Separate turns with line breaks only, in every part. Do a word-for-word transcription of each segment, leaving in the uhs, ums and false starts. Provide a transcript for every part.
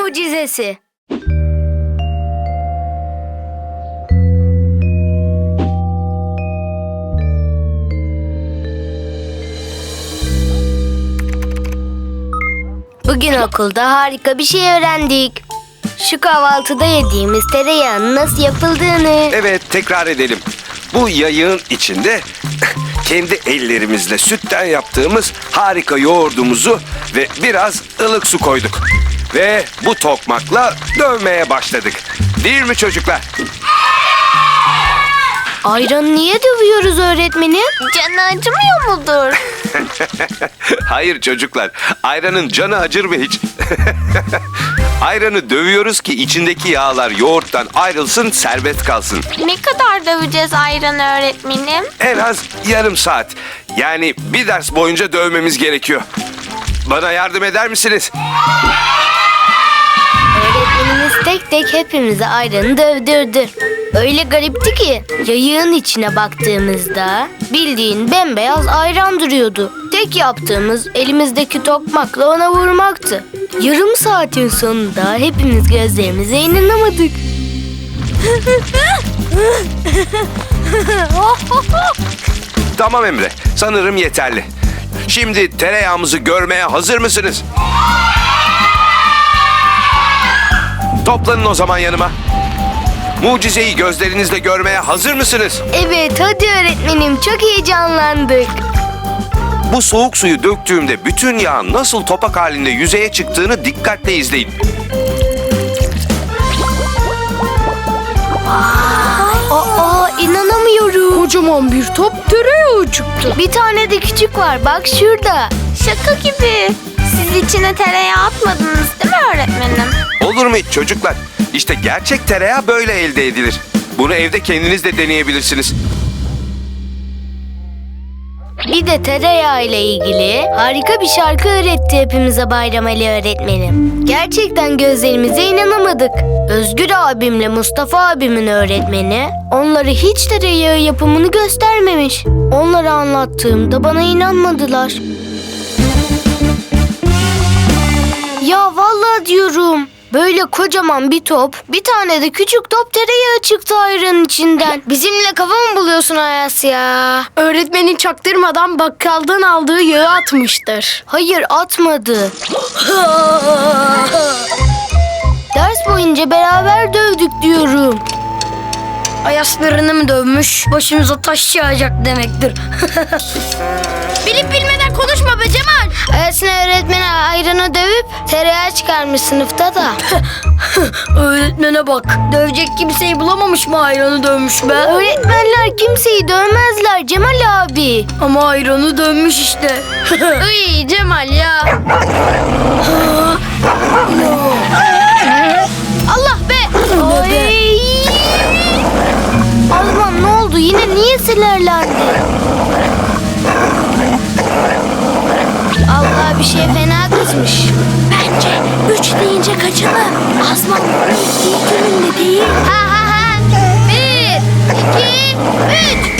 mucizesi. Bugün okulda harika bir şey öğrendik. Şu kahvaltıda yediğimiz tereyağının nasıl yapıldığını.
Evet, tekrar edelim. Bu yayığın içinde kendi ellerimizle sütten yaptığımız harika yoğurdumuzu ve biraz ılık su koyduk. Ve bu tokmakla dövmeye başladık. Değil mi çocuklar?
Ayranı niye dövüyoruz öğretmenim?
Canı acımıyor mudur?
Hayır çocuklar, ayranın canı acır mı hiç? Ayranı dövüyoruz ki içindeki yağlar yoğurttan ayrılsın, serbest kalsın.
Ne kadar döveceğiz ayranı öğretmenim?
En az yarım saat. Yani bir ders boyunca dövmemiz gerekiyor. Bana yardım eder misiniz?
Öğretmenimiz tek tek hepimize ayranı dövdürdü. Öyle garipti ki yayığın içine baktığımızda bildiğin bembeyaz ayran duruyordu. Tek yaptığımız elimizdeki tokmakla ona vurmaktı. Yarım saatin sonunda hepimiz gözlerimize inanamadık.
Tamam Emre, sanırım yeterli. Şimdi tereyağımızı görmeye hazır mısınız? Toplanın o zaman yanıma. Mucizeyi gözlerinizle görmeye hazır mısınız?
Evet, hadi öğretmenim, çok heyecanlandık.
Bu soğuk suyu döktüğümde bütün yağın nasıl topak halinde yüzeye çıktığını dikkatle izleyin.
Aa, inanamıyorum. Kocaman bir top tereyağı çıktı. Bir tane de küçük var, bak şurada.
Şaka gibi. Siz içine tereyağı atmadınız değil mi öğretmenim?
Olur mu hiç çocuklar? İşte gerçek tereyağı böyle elde edilir. Bunu evde kendiniz de deneyebilirsiniz.
Bir de tereyağı ile ilgili harika bir şarkı öğretti hepimize Bayram Ali öğretmenim. Gerçekten gözlerimize inanamadık. Özgür abimle Mustafa abimin öğretmeni onları hiç tereyağı yapımını göstermemiş. Onlara anlattığımda bana inanmadılar. Ya vallahi diyorum. Böyle kocaman bir top, bir tane de küçük top tereyağı çıktı ayranın içinden. Bizimle kafa mı buluyorsun Ayas ya?
Öğretmenin çaktırmadan bakkaldan aldığı yağı atmıştır.
Hayır, atmadı. Ders boyunca beraber dövdük diyorum.
Ayaslarını mı dövmüş? Başımıza taş yağacak demektir. Bilip bilmeden konuşma be Cemal.
Ayas'ın öğretmeni ayranı dövüp tereyağı çıkarmış sınıfta da.
Öğretmene bak. Dövecek kimseyi bulamamış mı ayranı dövmüş be?
Öğretmenler kimseyi dövmezler Cemal abi.
Ama ayranı dövmüş işte. Iy Cemal ya.
Allah be! Ay! Azman ne oldu? Yine niye sinirlendi? Allah bir şey fena kızmış.
Bence üç deyince kaçalım. Azman ilk gününde değil.
Ha ha ha! Bir, iki, üç!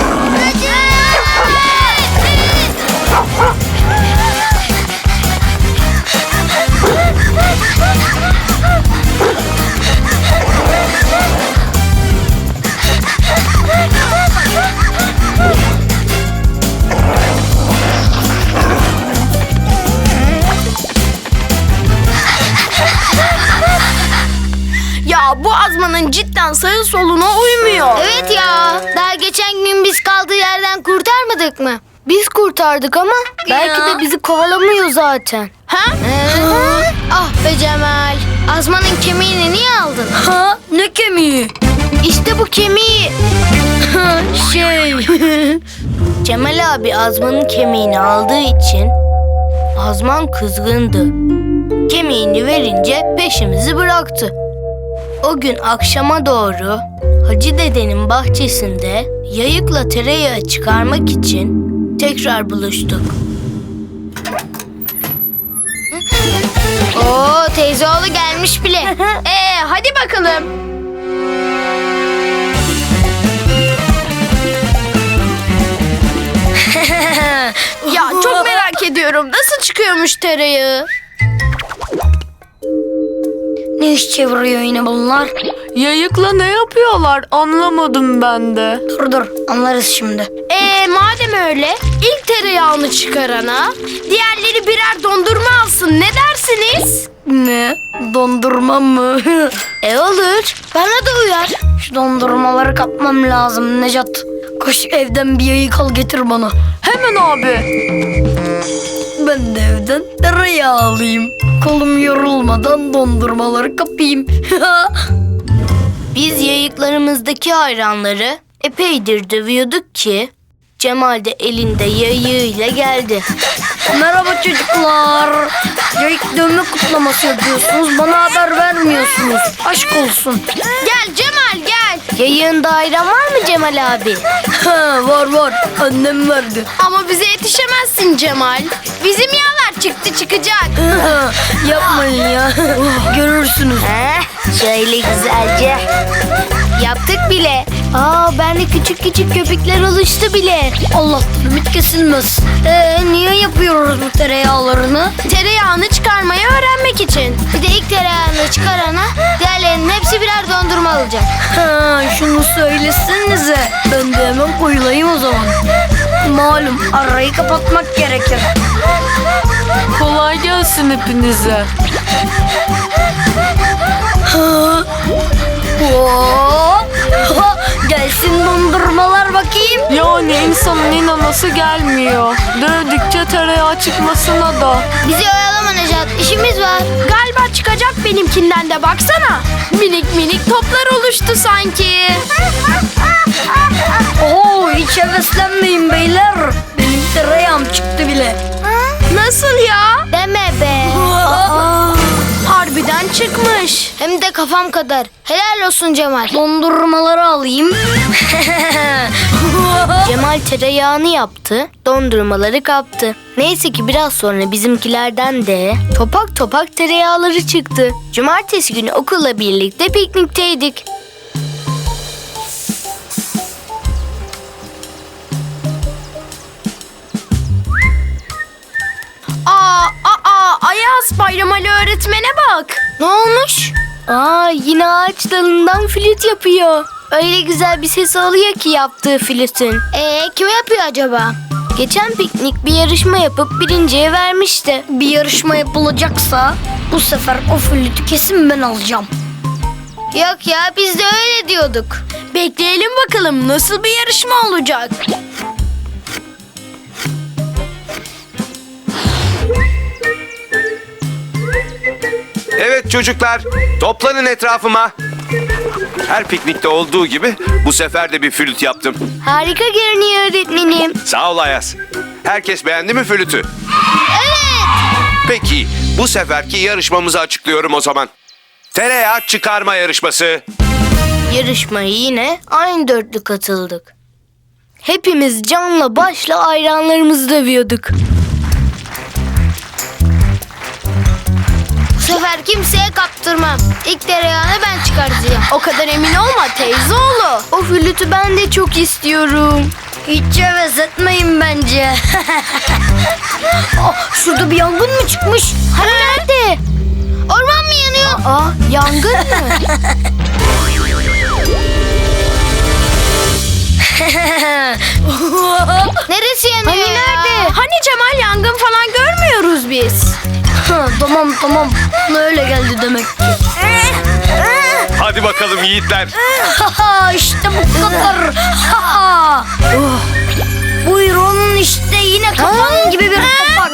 Ya bu Azman'ın cidden sağı soluna uymuyor.
Evet ya. Daha geçen gün biz kaldığı yerden kurtarmadık mı? Biz kurtardık ama belki de bizi kovalamıyor zaten.
Ha?
Ee, ah be Cemal. Azman'ın kemiğini niye aldın?
Ha? Ne kemiği?
İşte bu kemiği.
Şey.
Cemal abi Azman'ın kemiğini aldığı için Azman kızgındı. Kemiğini verince peşimizi bıraktı. O gün akşama doğru Hacı dedenin bahçesinde yayıkla tereyağı çıkarmak için tekrar buluştuk. Oo, teyzeoğlu gelmiş bile.
Ee, hadi bakalım. Ya çok merak ediyorum. Nasıl çıkıyormuş tereyağı? Ne iş çeviriyor yine bunlar?
Yayıkla ne yapıyorlar anlamadım ben de.
Dur dur anlarız şimdi.
Ee madem öyle ilk tereyağını çıkarana diğerleri birer dondurma alsın, ne dersiniz?
Ne? Dondurma mı?
E olur, bana da uyar.
Şu dondurmaları kapmam lazım Necat. Koş evden bir yayık al getir bana.
Hemen abi.
Ben de evden tereyağı alayım. Kolum yorulmadan dondurmaları kapayım.
Biz yayıklarımızdaki hayranları epeydir dövüyorduk ki Cemal de elinde yayığıyla geldi.
Merhaba çocuklar. Yayık dövme kutlaması yapıyorsunuz. Bana haber vermiyorsunuz. Aşk olsun.
Gel Cemal gel. Yayığında ayran var mı Cemal abi?
Ha, var var. Annem verdi.
Ama bize yetişemezsin Cemal. Bizim yağlar çıktı çıkacak.
Yapmayın ya. Görürsünüz.
Heh, şöyle güzelce. Yaptık bile. Aa bende küçük küçük köpükler oluştu bile.
Allah'tan ümit kesilmez. Ee, niye yapıyoruz bu tereyağlarını?
Tereyağını çıkarmayı öğrenmek için. Bir de ilk tereyağını çıkarana diğerlerinin hepsi birer dondurma alacak.
Ha, şunu söylesenize. Ben de hemen koyulayım o zaman. Malum arayı kapatmak gerekir.
Kolay gelsin hepinize.
Ha. Oo. Ha, gelsin dondurmalar bakayım.
Yani insanın inanası gelmiyor. Dövdükçe tereyağı çıkmasına da.
Bizi oyalama Necat, işimiz var. Galiba çıkacak benimkinden de baksana. Minik minik toplar oluştu sanki.
Oo, hiç heveslenmeyin beyler. Benim tereyağım çıktı bile.
Nasıl ya? Deme be. Aa, harbiden çıkmış. Hem de kafam kadar. Helal olsun Cemal.
Dondurmaları alayım.
Cemal tereyağını yaptı, dondurmaları kaptı. Neyse ki biraz sonra bizimkilerden de topak topak tereyağları çıktı. Cumartesi günü okulla birlikte piknikteydik. Aa, aa, Ayaz, Bayram Ali öğretmene bak. Ne olmuş? Aa, yine ağaç dalından flüt yapıyor. Öyle güzel bir ses oluyor ki yaptığı flütün. Ee, kime yapıyor acaba? Geçen piknik bir yarışma yapıp birinciye vermişti.
Bir yarışma yapılacaksa bu sefer o flütü kesin ben alacağım.
Yok ya, biz de öyle diyorduk. Bekleyelim bakalım nasıl bir yarışma olacak.
Evet çocuklar, toplanın etrafıma. Her piknikte olduğu gibi bu sefer de bir flüt yaptım.
Harika görünüyor öğretmenim.
Sağ ol Ayaz. Herkes beğendi mi flütü?
Evet.
Peki, bu seferki yarışmamızı açıklıyorum o zaman. Tereyağı çıkarma yarışması.
Yarışmaya yine aynı dörtlü katıldık. Hepimiz canla başla ayranlarımızı dövüyorduk. Bu sefer kimseye kaptırmam. İlk tereyağını ben çıkartacağım. O kadar emin olma teyzeoğlu. O flütü ben de çok istiyorum.
Hiç heves etmeyin bence. Oh, şurada bir yangın mı çıkmış?
Hani nerede? Orman mı yanıyor? Aa, yangın mı? Neresi yanıyor
Hani
ya?
nerede?
Hani Cemal, yangın falan görmüyoruz biz.
Ha, tamam tamam. Öyle geldi demek ki.
Hadi bakalım yiğitler.
Haha, işte bu kadar. Haha. Oh. Buyurun işte yine kapan gibi bir kapak.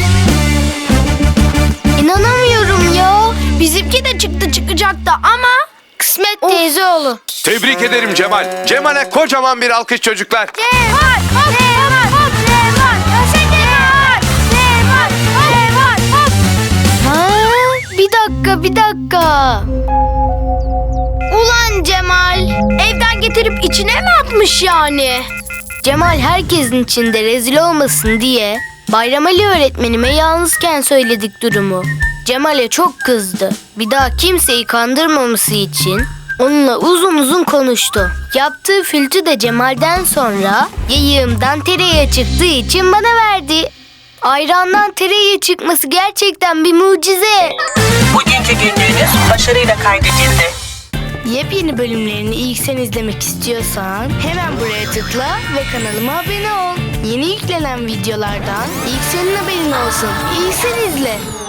İnanamıyorum ya. Bizimki de çıktı çıkacaktı ama kısmet teyzeoğlu.
Tebrik ederim Cemal. Cemal'e kocaman bir alkış çocuklar.
Cemal, hop, Cemal, hop, Cemal, yaşa Cemal, Cemal, Cemal, hop. Ha, bir dakika, bir dakika. Ulan Cemal, evden getirip içine mi atmış yani? Cemal herkesin içinde rezil olmasın diye Bayram Ali öğretmenime yalnızken söyledik durumu. Cemal'e çok kızdı. Bir daha kimseyi kandırmaması için onunla uzun uzun konuştu. Yaptığı flütü de Cemal'den sonra yayığımdan tereyağı çıktığı için bana verdi. Ayrandan tereyağı çıkması gerçekten bir mucize.
Bugünkü günlüğünüz başarıyla kaydedildi.
Yepyeni bölümlerini ilk sen izlemek istiyorsan hemen buraya tıkla ve kanalıma abone ol. Yeni yüklenen videolardan ilk senin haberin olsun. İlk sen izle.